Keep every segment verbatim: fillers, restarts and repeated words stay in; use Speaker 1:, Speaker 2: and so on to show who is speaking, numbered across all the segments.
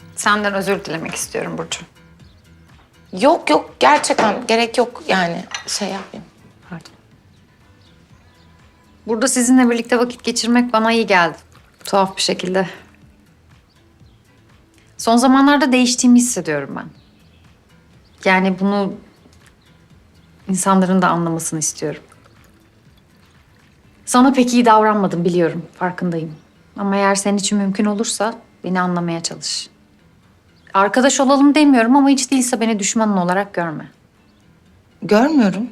Speaker 1: Senden özür dilemek istiyorum Burcu.
Speaker 2: Yok yok gerçekten gerek yok yani şey yapayım. Pardon.
Speaker 1: Burada sizinle birlikte vakit geçirmek bana iyi geldi. Tuhaf bir şekilde. Son zamanlarda değiştiğimi hissediyorum ben. Yani bunu insanların da anlamasını istiyorum. Sana pek iyi davranmadım biliyorum, farkındayım. Ama eğer senin için mümkün olursa beni anlamaya çalış. Arkadaş olalım demiyorum ama hiç değilse beni düşmanın olarak görme.
Speaker 2: Görmüyorum.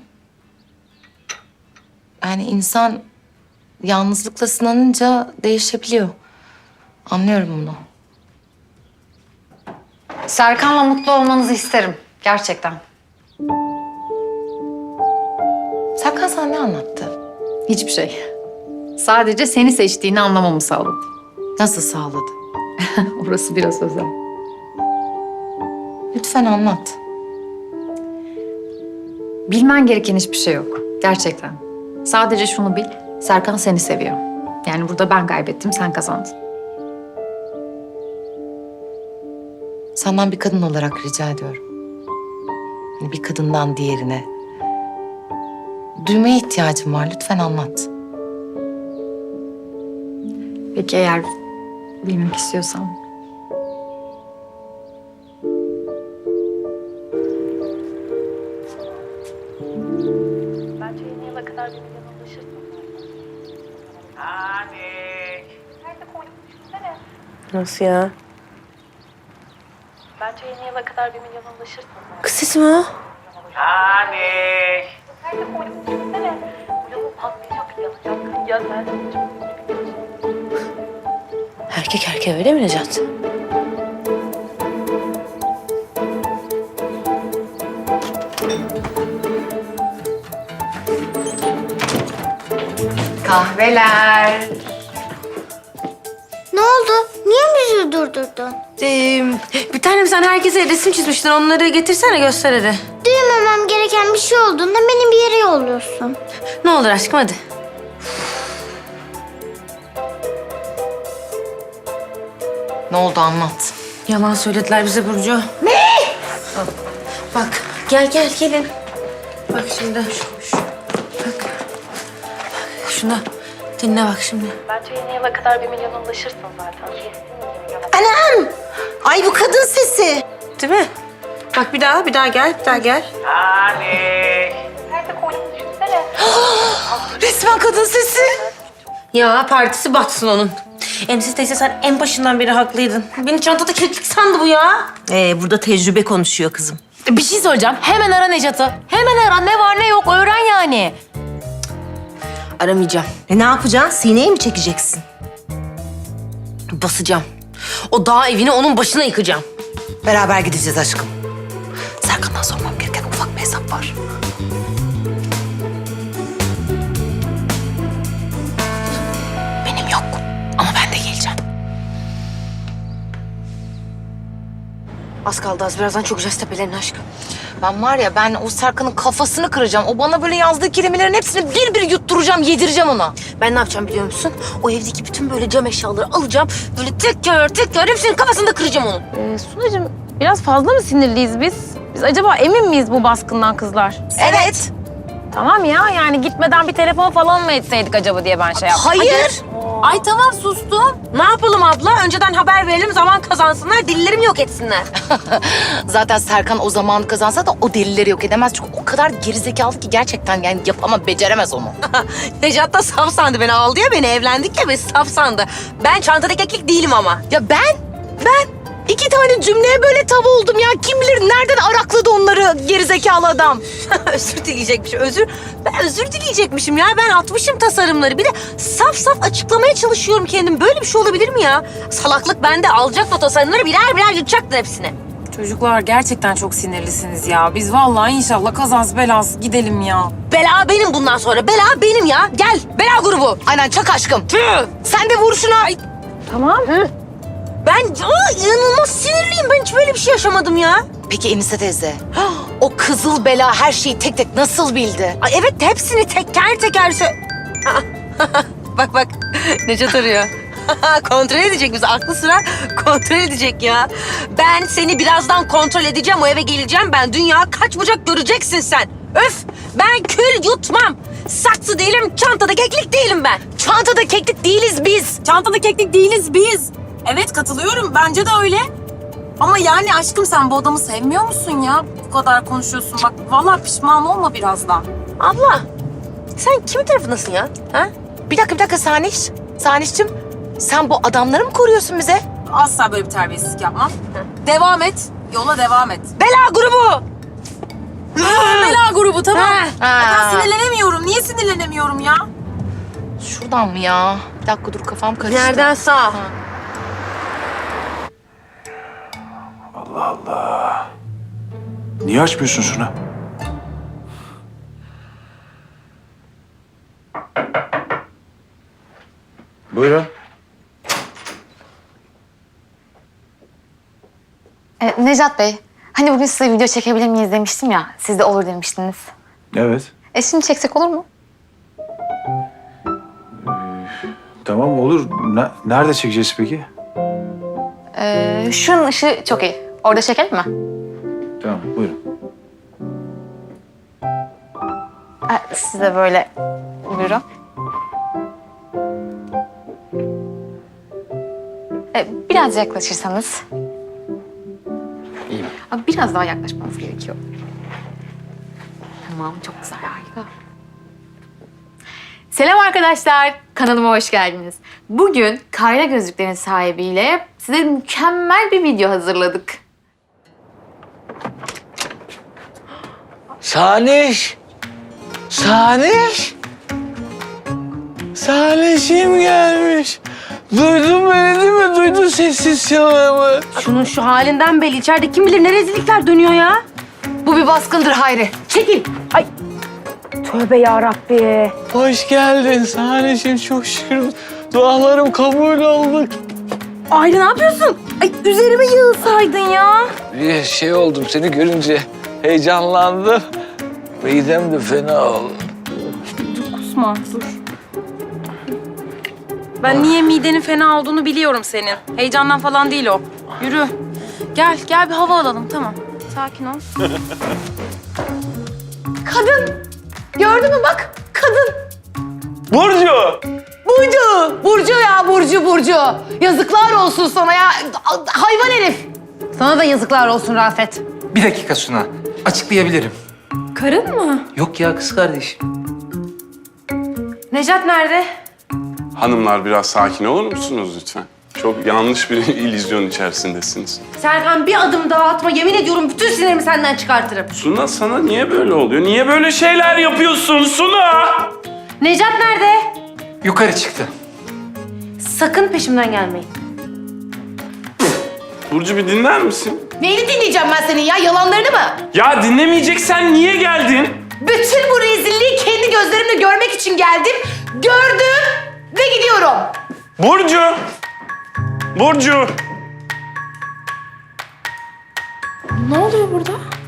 Speaker 2: Yani insan yalnızlıkla sınanınca değişebiliyor. Anlıyorum bunu.
Speaker 1: Serkan'la mutlu olmanızı isterim, gerçekten.
Speaker 2: Serkan sana ne anlattı?
Speaker 1: Hiçbir şey. Sadece seni seçtiğini anlamamı sağladı.
Speaker 2: Nasıl sağladı?
Speaker 1: Orası biraz özel.
Speaker 2: Lütfen anlat.
Speaker 1: Bilmen gereken hiçbir şey yok. Gerçekten. Sadece şunu bil, Serkan seni seviyor. Yani burada ben kaybettim, sen kazandın.
Speaker 2: Senden bir kadın olarak rica ediyorum. Hani bir kadından diğerine. Duymaya ihtiyacım var. Lütfen anlat.
Speaker 1: Peki eğer bilmek istiyorsan.
Speaker 3: Bence yeni yıla kadar bir milyon ulaşırsın.
Speaker 4: Anik.
Speaker 3: Nerede koydum düşünsene.
Speaker 5: Nasıl ya?
Speaker 3: Bence yeni yıla kadar bir milyon ulaşırsın.
Speaker 5: Kız sesi mi o?
Speaker 4: Anik.
Speaker 3: Nerede koydum düşünsene. Bu yolu patlayacak, yanacak. Ya sen çok
Speaker 5: Erkek erkeğe öyle mi Necat?
Speaker 1: Kahveler.
Speaker 6: Ne oldu? Niye bizi durdurdun?
Speaker 5: Ee, bir tanem sen herkese resim çizmiştin. Onları getirsene göster hadi.
Speaker 6: Duymamam gereken bir şey olduğunda beni bir yere yolluyorsun.
Speaker 5: Ne olur aşkım hadi.
Speaker 2: Ne oldu anlat.
Speaker 5: Yalan söylediler bize Burcu. Ne? Bak gel gel gelin. Bak şimdi. Şu, şu. Bak. Bak şuna. Dinle bak şimdi.
Speaker 3: Bence yeni yıla kadar bir milyon ulaşırsın zaten. Kesin bir milyon.
Speaker 5: Anam! Ay bu kadın sesi. Değil mi? Bak bir daha, bir daha gel, bir daha gel.
Speaker 4: Anik.
Speaker 3: Nerede koydum düşünsene.
Speaker 5: Resmen kadın sesi. Ya partisi batsın onun. Emsiz teyze sen en başından beri haklıydın. Beni çantada kilitlik sandı bu ya.
Speaker 7: Ee, burada tecrübe konuşuyor kızım.
Speaker 8: Bir şey söyleyeceğim. Hemen ara Necat'ı. Hemen ara. Ne var ne yok öğren yani.
Speaker 5: Aramayacağım.
Speaker 7: E ne yapacaksın? Sineye mi çekeceksin?
Speaker 5: Basacağım. O dağ evini onun başına yıkacağım.
Speaker 7: Beraber gideceğiz aşkım. Serkan'dan sormam gereken ufak bir hesap var.
Speaker 5: Benim yok. Ama ben de geleceğim. Az kaldı az. Birazdan çökeceğiz tepelerin aşkım.
Speaker 2: Ben var ya ben o Serkan'ın kafasını kıracağım. O bana böyle yazdığı kelimelerin hepsini bir bir yutturacağım, yedireceğim ona.
Speaker 5: Ben ne yapacağım biliyor musun? O evdeki bütün böyle cam eşyaları alacağım. Böyle teker teker hepsinin kafasında kıracağım onu.
Speaker 9: Ee, Sunacığım biraz fazla mı sinirliyiz biz? Biz acaba emin miyiz bu baskından kızlar?
Speaker 2: Evet.
Speaker 9: Tamam ya yani gitmeden bir telefon falan mı etseydik acaba diye ben şey yaptım.
Speaker 2: Hayır.
Speaker 5: Ay tamam sustum. Ne yapalım abla? Önceden haber verelim, zaman kazansınlar, dillerimi yok etsinler.
Speaker 2: Zaten Serkan o zamanı kazansa da o delilleri yok edemez. Çünkü o kadar gerizekalı ki gerçekten yani yapamaz, beceremez onu.
Speaker 5: Necat da saf sandı beni, aldı ya beni, evlendik ya, beni saf sandı. Ben çantadaki keklik değilim ama.
Speaker 2: Ya ben, ben iki tane cümleye böyle tav oldum ya. Kim bilir nereden arakladı onları gerizekalı adam.
Speaker 5: Özür dileyecekmişim, özür. Ben özür dileyecekmişim ya. Ben atmışım tasarımları. Bir de saf saf açıklamaya çalışıyorum kendim. Böyle bir şey olabilir mi ya? Salaklık bende. Alacaktı o tasarımları, birer birer yutacaktın hepsini.
Speaker 8: Çocuklar gerçekten çok sinirlisiniz ya. Biz vallahi inşallah kazası belası gidelim ya.
Speaker 5: Bela benim bundan sonra. Bela benim ya. Gel, bela grubu.
Speaker 2: Aynen çak aşkım. Sen de vur şuna. Ay,
Speaker 9: Tamam.
Speaker 5: Ben aa, inanılmaz sinirliyim. Ben hiç böyle bir şey yaşamadım ya.
Speaker 2: Peki Enise teyze, o kızıl bela her şeyi tek tek nasıl bildi?
Speaker 5: Ay evet, hepsini teker teker sö... Aa, bak bak, Necat arıyor. Kontrol edecek bizi. Aklı sıra kontrol edecek ya. Ben seni birazdan kontrol edeceğim. O eve geleceğim. Ben dünya kaç bucak göreceksin sen. Öf! Ben kül yutmam. Saksı değilim, çantada keklik değilim ben.
Speaker 2: Çantada keklik değiliz biz.
Speaker 8: Çantada keklik değiliz biz. Evet katılıyorum. Bence de öyle. Ama yani aşkım sen bu adamı sevmiyor musun ya? Bu kadar konuşuyorsun. Bak vallahi pişman olma birazdan.
Speaker 5: Abla, sen kimin tarafındasın ya? Ha?
Speaker 2: Bir dakika bir dakika Saniş. Saniş'cim sen bu adamları mı koruyorsun bize?
Speaker 8: Asla böyle bir terbiyesizlik yapmam. Devam et. Yola devam et.
Speaker 5: Bela grubu!
Speaker 8: Bela grubu tamam.
Speaker 5: Ha.
Speaker 8: Ya ben sinirlenemiyorum. Niye sinirlenemiyorum ya?
Speaker 2: Şuradan mı ya? Bir dakika dur kafam karıştı.
Speaker 5: Nereden sağ?
Speaker 10: Allah Allah. Niye açmıyorsun şunu? Buyurun.
Speaker 11: E, Necat Bey, hani bugün size video çekebilir miyiz demiştim ya. Siz de olur demiştiniz.
Speaker 10: Evet.
Speaker 11: E şimdi çeksek olur mu?
Speaker 10: Tamam olur. Ne- nerede çekeceğiz peki?
Speaker 11: E, şunun ışığı çok iyi. Orada çekelim mi?
Speaker 10: Tamam buyurun.
Speaker 11: E, siz de böyle buyurun. E, biraz yaklaşırsanız.
Speaker 10: İyi.
Speaker 11: Abi biraz daha yaklaşmanız gerekiyor. Tamam, çok güzel, harika. Selam arkadaşlar, kanalıma hoş geldiniz. Bugün Kayra Gözlüklerin sahibiyle size mükemmel bir video hazırladık.
Speaker 12: Saniş! Saniş! Sanişim gelmiş. Duydun beni değil mi? Duydun sessiz çalımı.
Speaker 5: Şunun şu halinden belli. İçeride kim bilir ne rezillikler dönüyor ya.
Speaker 2: Bu bir baskındır Hayri.
Speaker 5: Çekil. Ay. Tövbe yarabbi.
Speaker 12: Hoş geldin Sanişim. Çok şükür dualarım kabul oldu.
Speaker 9: Ayrı ne yapıyorsun? Ay üzerime yığılsaydın ya.
Speaker 12: Bir şey oldum seni görünce heyecanlandım. Midem de fena oldu.
Speaker 9: Kusma dur. Ben niye midenin fena olduğunu biliyorum senin. Heyecandan falan değil o. Yürü. Gel, gel bir hava alalım tamam. Sakin ol.
Speaker 2: Kadın. Gördün mü bak kadın.
Speaker 12: Burcu!
Speaker 2: Burcu. Burcu ya Burcu Burcu. Yazıklar olsun sana ya. Hayvan herif.
Speaker 7: Sana da yazıklar olsun Rafet.
Speaker 12: Bir dakika Suna. Açıklayabilirim.
Speaker 9: Karın mı?
Speaker 12: Yok ya kız kardeşim.
Speaker 9: Necat nerede?
Speaker 13: Hanımlar biraz sakin olur musunuz lütfen? Çok yanlış bir illüzyon içerisindesiniz.
Speaker 5: Serkan bir adım daha atma. Yemin ediyorum bütün sinirimi senden çıkartırım.
Speaker 13: Suna sana niye böyle oluyor? Niye böyle şeyler yapıyorsun Suna?
Speaker 5: Necat nerede?
Speaker 12: Yukarı çıktı.
Speaker 5: Sakın peşimden gelmeyin.
Speaker 13: Burcu bir dinler misin?
Speaker 2: Neyini dinleyeceğim ben senin ya? Yalanlarını mı?
Speaker 13: Ya dinlemeyeceksen niye geldin?
Speaker 2: Bütün bu rezilliği kendi gözlerimle görmek için geldim. Gördüm ve gidiyorum.
Speaker 13: Burcu! Burcu!
Speaker 9: Ne oluyor burada?